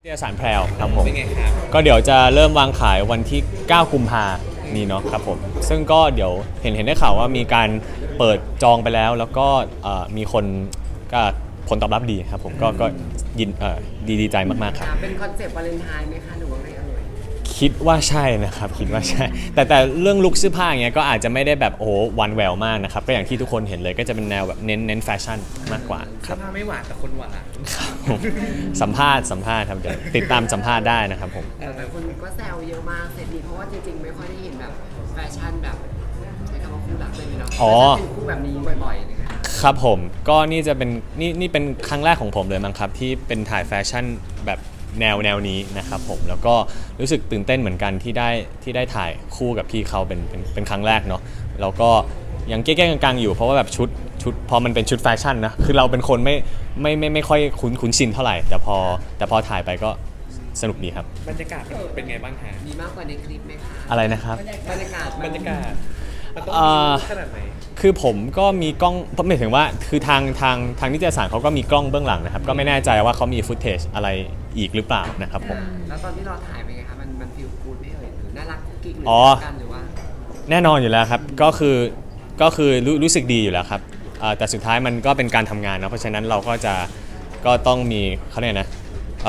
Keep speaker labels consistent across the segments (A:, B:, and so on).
A: นิตยสารแพรวครับผม
B: เป็นไงครับ
A: ก็เดี๋ยวจะเริ่มวางขายวันที่ 9 กุมภานี้เนาะครับผมซึ่งก็เดี๋ยวเห็นได้ข่าวว่ามีการเปิดจองไปแล้วแล้วก็มีคนก็ผลตอบรับดีครับผมก็ยินดีใจมากๆครับ
C: เป็นคอนเซปต์วาเลนไทน์ไหมคะหรือว่าไงเอ่ย
A: คิดว่าใช่นะครับคิดว่าใช่ แต่เรื่องลุคเสื้อผ้าอย่างเงี้ยก็อาจจะไม่ได้แบบโอ้โหหวานแหววมากนะครับก็อย่างที่ทุกคนเห็นเลยก็จะเป็นแนวแบบเน้นแฟชั่นมากกว่าค
B: เสื้
A: รั
B: อบ ผ้าไม่หวานแต่คนหวาน
A: สัมภาษณ์ครับเดี๋ยวติดตามสัมภาษณ์ได้นะครับผม
C: แต่คนก็แซวเยอะมากเซตนี้เพราะว่าจริงๆไม่ค่อยได้เห็นแบบแฟชั่นแบบใช้คำว่าคู่รักเลยเนาะ
A: อ๋อ
C: จะเป็นคู่แบบนี้บ่อยๆเลยค่ะ
A: ครับผมก็นี่จะเป็นนี่เป็นครั้งแรกของผมเลยมั้งครับที่เป็นถ่ายแฟชั่นแบบแนวนี้นะครับผมแล้วก็รู้สึกตื่นเต้นเหมือนกันที่ได้ถ่ายคู่กับพี่เขาเป็นครั้งแรกเนาะแล้วก็ยังแก้ๆกลางๆอยู่เพราะว่าแบบชุดพอมันเป็นชุดแฟชั่นนะคือเราเป็นคนไม่ค่อยคุ้นชินเท่าไหร่แต่พอถ่ายไปก็สนุกดีครับ
B: บรรยากาศมันเป็นไงบ้างฮะ
C: มีมากกว่าในคลิปไหมคะ
A: อะไรนะครับ
C: บรรยากาศ
B: บรรยากาศมันต้อง
A: อ่า
B: มีขนาดไหน
A: คือผมก็มีกล้องหมายถึงว่าคือทางนิตยสารเขาก็มีกล้องเบื้องหลังนะครับก็ไม่แน่ใจว่าเขามีฟุตเทจอะไรอีกหรือเปล่านะครับผม
C: แล้วตอนที่เราถ่ายเป็นไงคะมันฟีลกูดไหมเอ่ยหรือน่ารักกุ๊กกิ๊กหรือ
A: อ๋อ
C: กันหรือว่า
A: แน่นอนอยู่แล้วครับก็คือรู้สึกดีอยู่แล้วครับแต่สุดท้ายมันก็เป็นการทำงานนะเพราะฉะนั้นเราก็ต้องมีเขาเรียกนะ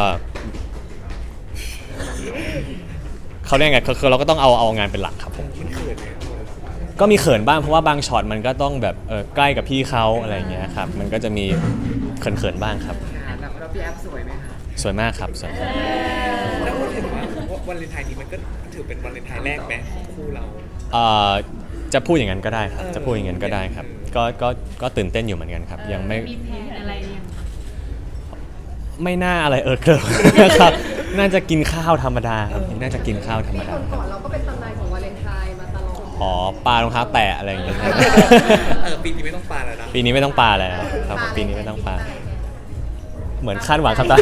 A: เขาเรียกไงคือเราก็ต้องเอางานเป็นหลักครับผม
B: มันเขินไหม
A: ก็มีเขินบ้างเพราะว่าบางช็อตมันก็ต้องแบบใกล้กับพี่เขาอะไรอย่างเงี้ยครับมันก็จะมีเขินบ้างครับ
C: แล้วพี่แอฟสวยไหมคะ
A: สวยมากครับสวยมาก
B: แล้วพูดถึงว่าวันเลนไทน์นี้มันก็ถือเป็นวันเลนไทน์แรกไหมของคู่เรา
A: จะพูดอย่างนั้นก็ได้ครับ
B: เออ
A: จะพูดอย่างนั้นก็ได้ครับก็ตื่นเต้นอยู่เหมือนกันครับยังไม่
D: มีแผนอะไรยัง
A: ไม่น่าอะไรเกิน ครับน่าจะกินข้าวธรรมดาครับน่าจะกินข้าวธรรมดา
D: ก่อนเราก็เป็นตำนานของวาเลนไทน์มาตลอด
A: อ๋อปลารองเท้าแตะอะไรอย่างเงี้ย
B: ปีนี้ไม่ต้องปาแล้วนะ
A: ปีนี้ไม่ต้องปลาแล้วครับผมปีนี้ไม่ต้องปลาเหมือนคาดหวังครับตา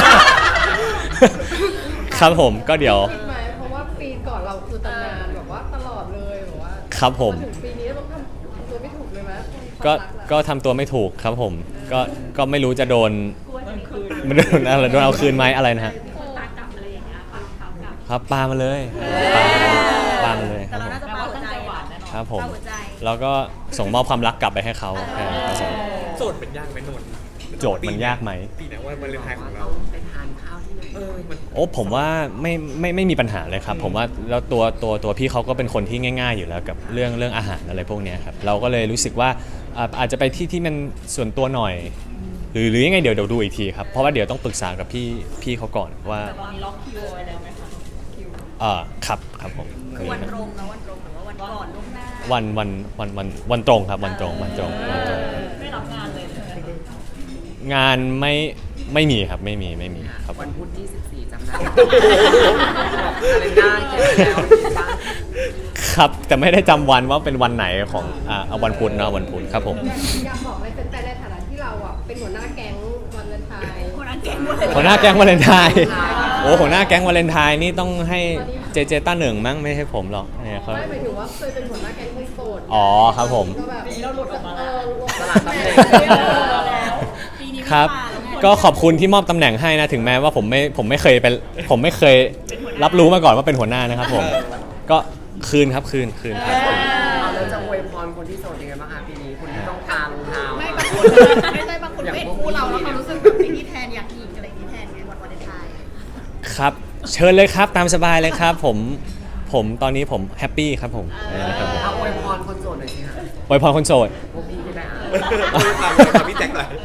A: ครับผมก็เดี๋ยว
D: คิดไหมเพราะว่าปีก่อนเราคือตำนานแบบว่าตลอดเลยแบบว่า
A: ครับผม
D: ถึงปีนี้เราต้องทำตัวไม่ถูกเลยไหม
A: ก็ทำตัวไม่ถูกครับผมก็ไม่รู้จะโดนมันโดนอะไรโดนเอาคืนไหมอะไรนะฮะ
D: ตากลับอะไรอย่างเงี้ยค่ะเขากลับ
A: ครับปลามาเลยปลามาเลยครับผม
D: แต่ว่าตั้งใจหวานแน่นอน
A: ครับผมแล้วก็ส่งมอบความรักกลับไปให้เขาครับผม
B: โจทย์เป็นยากไหมนนท์
A: โจทย์มันยากไหม
B: ปีนี้วันเลนไทน์ของ
C: ต้
B: เรา
C: องไปทานข้าวที่ไหน
B: มัน
A: โอ้ผมว่าไม่มีปัญหาเลยครับผมว่าแล้วตัวพี่เขาก็เป็นคนที่ง่าย ๆ อยู่แล้วกับเรื่องอาหารอะไรพวกเนี้ยครับเราก็เลยรู้สึกว่าอาจจะไปที่มันส่วนตัวหน่อย หรือยังไงเดี๋ยวดูอีกทีครับเพราะว่าเดี๋ยวต้องปรึกษากับพี่เขาก่อนว่า
D: แต่ตอนนี้ล็อกคิวไว้แล้วไหมคะคิว
A: ครับผม
D: คือวันตรงนะวันตรงหรือว่าวันก่อนล่วงหน้า
A: วันตรงครับวันตรง
D: ไม่รับงานเลยใช่ไหม
A: งานไม่มีครับไม่มีครับผ
C: วัน
A: ม
C: พุธที่14จำได้อะไรหน้าเขียนแล้วที่บ้าน
A: ครับแต่ไม่ได้จำวันว่าเป็นวันไหนของเอาวันพุธเนาะวันพุธครับผม
D: อยากบอกอะไรแฟนๆในฐานะที่เราอ่ะเป็นหัวหน้าแก๊งวาเลนไทน์หัวหน้าแก๊ง
A: หัวหน้าแก๊งวาเลนไทน์โอ้หัวหน้าแก๊งวาเลนไทน์นี่ต้องให้เจต้าหนึ่งมั้งไม่ใช่ผมหรอกเนี่ยเขา
D: ไม่หมายถึงว่าเคยเป็นหัวหน้าแก๊งคนโสด
A: อ๋อครับผม
D: ก็แบบเราหลุดออกมาแล้ว
C: สลัดตำแหน่ง
D: แล้วปีนี้
A: ครับ ก็ขอบคุณที่มอบตำแหน่งให้นะถึงแม้ว่าผมไม่เคยรับรู้มาก่อนว่าเป็นหัวหน้านะครับผมก็คืนครับคืนครับ
C: แล้วจะอวยพรคนที่โสดยังไงบ้างคะปีนี้คนที่ต้องการรองเท้า
D: ไม่บางคนไม่ใช่บางคนเป็นคู่เราแล้วเขารู้สึกแบบนี้แทนอยากหยิกอะไรอย่างนี้แทนไงวันวาเลนไทน์
A: ครับเชิญเลยครับตามสบายเลยครับผมตอนนี้ผมแฮปปี้ครับผมนะครับผม
C: เอาอวยพรคนโสดหน่อยสิคะ
A: อวยพรคนโสด
C: พวกพี่ก็ได้อ่ะ
B: ทำพี่แจ็คหน่อย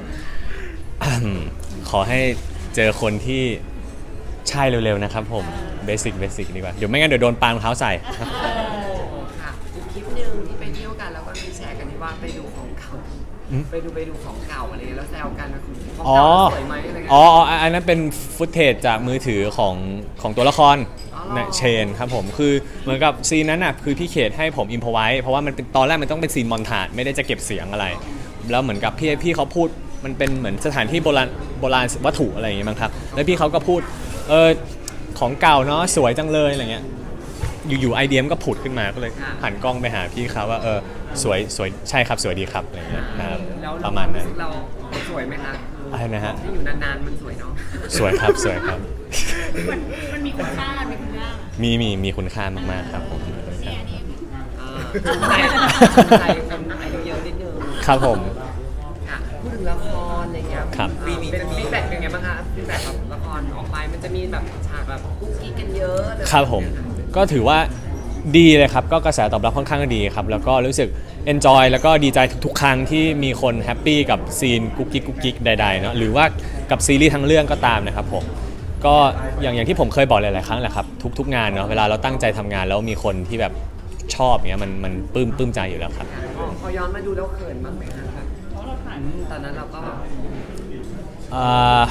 A: ขอให้เจอคนที่ใช่เร็วๆนะครับผมเบสิกดีกว่าเดี๋ยวไม่งั้นเดี๋ยวโดนปารองเท้าใส่
C: ค่ะอีกคลิปหนึ่งที่ไปเที่ยวกันแล้วก็มีแชร์กันที่ว่าไปดูของเก่า
A: อืม
C: ไปดูของเก่าอะไรแล้วแซวกันว่าของ
A: อ๋อ
C: เก่าสวยไหมอะไรเงี้ย
A: อ๋ออันนั้นเป็นฟุตเทจจากมือถือของตัวละคร
C: อ๋อ
A: นะเชนครับผมคือเหมือนกับซีนนั้นน่ะคือพี่เขตให้ผมอิมพอไว้เพราะว่ามันเป็นตอนแรกมันต้องเป็นซีนมอนทาจไม่ได้จะเก็บเสียงอะไร แล้วเหมือนกับพี่เขาพูดมันเป็นเหมือนสถานที่โบราณวัตถุอะไรอย่างเงี้ยมั้งครับแล้วพี่เขาก็พูดของเก่าเนาะสวยจังเลยอะไรเงี้ยอยู่ๆไอเดียมก็ผุดขึ้นมาก็เลยหันกล้องไปหาพี่เขาว่าสวยใช่ครับสวยดีครับอะไรเงี้ยนะครับ
C: แล้ว
A: ประมาณนั้น
C: เราสวยไหมคะ
A: อะไรนะฮะ
C: ที่อยู่นานๆมันสวยเนาะ
A: สวยครับสวยครับ
D: มันมีคุณค่ามีคุณค่า
A: มีคุณค่ามากๆครับผมมีคุณค่า
C: ใจคนอายุเยอะนิดนึง
A: ครับผม
C: ค่ะพูดถึงละครอะไรเงี้ย
A: ครับ
C: เป็นฟีดแบ็กยังไงบ้างคะฟีดแบ็กแบบละครออกไปมันจะมีแบบฉากแบบกุ๊กกิ๊กกันเยอะเลย
A: ครับผมก็ถือว่าดีเลยครับก็กระแสตอบรับค่อนข้างดีครับแล้วก็รู้สึก enjoy แล้วก็ดีใจทุกๆ ครั้งที่มีคนแฮปปี้กับซีนกุ๊กกิ๊กใดๆเนาะหรือว่ากับซีรีส์ทั้งเรื่องก็ตามนะครับผมก็อย่างที่ผมเคยบอกหลายๆครั้งแหละครับทุกๆงานเนาะเวลาเราตั้งใจทำงานแล้วมีคนที่แบบชอบอย่างเงี้ยมันปลื้มใจอยู่แล้วครับ
C: พอย้อนมาดูแล้วเขินบ้างไหมคะแบบตอนนั้นเราก็
A: อ่า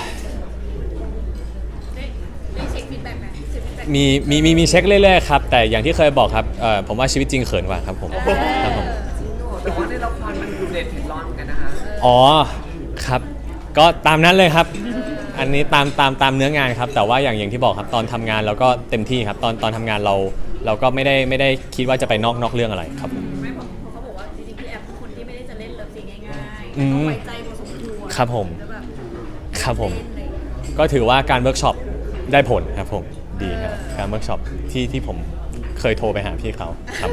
D: ได้เช็คฟีดแบ็กไหมเช็คฟีดแบ็ก
A: มีเช็คเรื่อยๆครับแต่อย่างที่เคยบอกครับผมว่าชีวิตจริงเขินกว่าครับผมครับผม
C: จริงเหรอแต่ว่าในละครมันดูเด็ดเผ็ดร้อนเหมือนกันนะคะ
A: อ๋อครับก็ตามนั้นเลยครับ อันนี้ตามเนื้องานครับแต่ว่าอย่างที่บอกครับตอนทำงานเราก็เต็มที่ครับตอนทำงานเราก็ไม่ได้คิดว่าจะไปนอกเรื่องอะไรครับผม
D: ไม่ผมเขาบอกว่าจริงๆพี่แอฟเป็นคนที่ไม่ได้จะเล่นเลิฟซีนง่ายๆ
A: อืม
D: ต้องไว้ใจพอสมควร
A: ครับผม
D: แล้วแบบ
A: ครับผม
D: เล่นอะไรอย่างเงี้ย
A: ก็ถือว่าการเวิร์กช็อปได้ผลครับผมดีครับการเวิร์กช็อปที่ผมเคยโทรไปหาพี่เขาครับ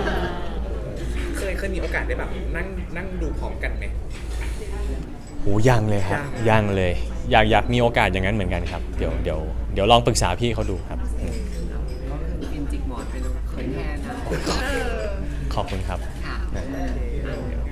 B: เคยมีโอกาสได้แบบนั่งดูพร้อมกันไหม
A: โหยังเลยครับยังเลยอยากมีโอกาสอย่างนั้นเหมือนกันครับเดี๋ยวลองปรึกษาพี่เขาดูครับอืม
C: ก็คือฟินจิกหมอนไปดูเขินแทนนะ
A: ขอบคุณครับ
C: ค่ะ
A: นะ